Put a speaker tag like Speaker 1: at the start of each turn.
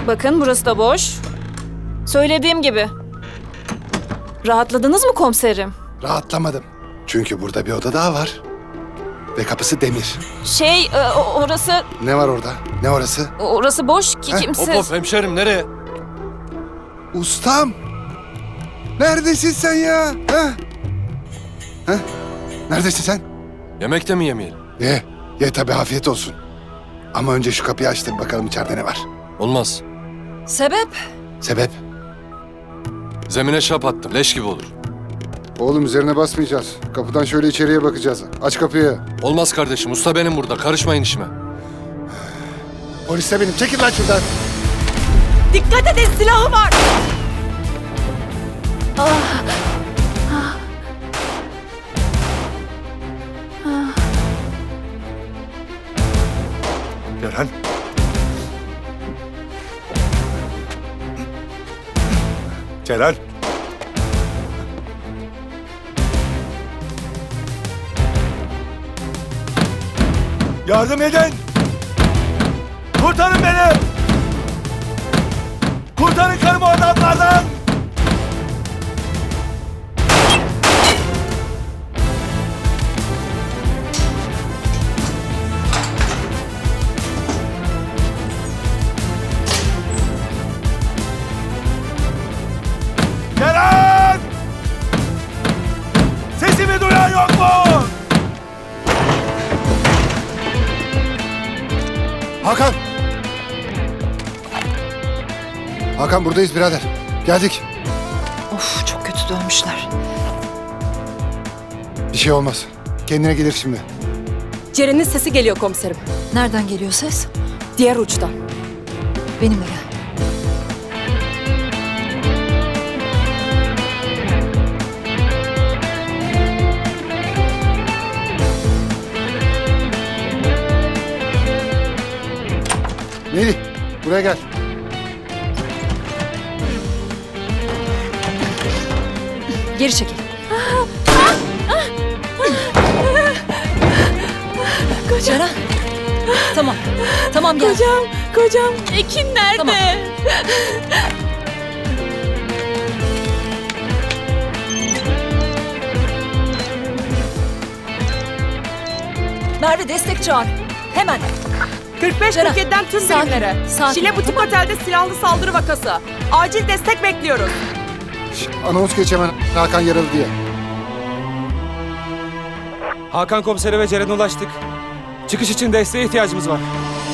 Speaker 1: Bakın burası da boş. Söylediğim gibi. Rahatladınız mı komiserim?
Speaker 2: Rahatlamadım. Çünkü burada bir oda daha var. Ve kapısı demir.
Speaker 1: Orası...
Speaker 2: Ne var orada? Ne orası?
Speaker 1: Orası boş ki
Speaker 2: Heh,
Speaker 1: kimse...
Speaker 3: Hop hop hemşerim nereye?
Speaker 2: Ustam! Neredesin sen ya? Ha? Ha? Neredesin sen?
Speaker 3: Yemekte mi yemeyelim?
Speaker 2: Ye. Ye tabii, afiyet olsun. Ama önce şu kapıyı açtır bakalım içeride ne var.
Speaker 3: Olmaz.
Speaker 1: Sebep?
Speaker 2: Sebep?
Speaker 3: Zemine şap attım. Leş gibi olur.
Speaker 2: Oğlum üzerine basmayacağız. Kapıdan şöyle içeriye bakacağız. Aç kapıyı.
Speaker 3: Olmaz kardeşim. Usta benim burada. Karışmayın işime.
Speaker 2: Polis de benim. Çekil lan şuradan.
Speaker 1: Dikkat edin, silahı var!
Speaker 2: Ceren. Ceren.
Speaker 4: Yardım edin! Kurtarın beni! Kurtarın karımı adamlardan! Ceren! Sesimi duyan yok mu?
Speaker 2: Hakan! Hakan buradayız birader. Geldik.
Speaker 5: Of, çok kötü dönmüşler.
Speaker 2: Bir şey olmaz. Kendine gelir şimdi.
Speaker 6: Ceren'in sesi geliyor komiserim.
Speaker 5: Nereden geliyor ses?
Speaker 6: Diğer uçtan.
Speaker 5: Benimle gel.
Speaker 2: Melih, buraya gel.
Speaker 5: Geri çekil. Ceren. Tamam. Tamam gel.
Speaker 1: Kocam. Ekin nerede?
Speaker 5: Tamam. Merve destek çağır. Hemen.
Speaker 6: 45-47'den tüm
Speaker 5: sakin,
Speaker 6: birimlere.
Speaker 5: sakin.
Speaker 6: Şile Butik Otel'de silahlı saldırı vakası. Acil destek bekliyoruz.
Speaker 2: Anons geç hemen, Hakan yaralı diye.
Speaker 4: Hakan komisere ve Ceren'e ulaştık. Çıkış için desteğe ihtiyacımız var.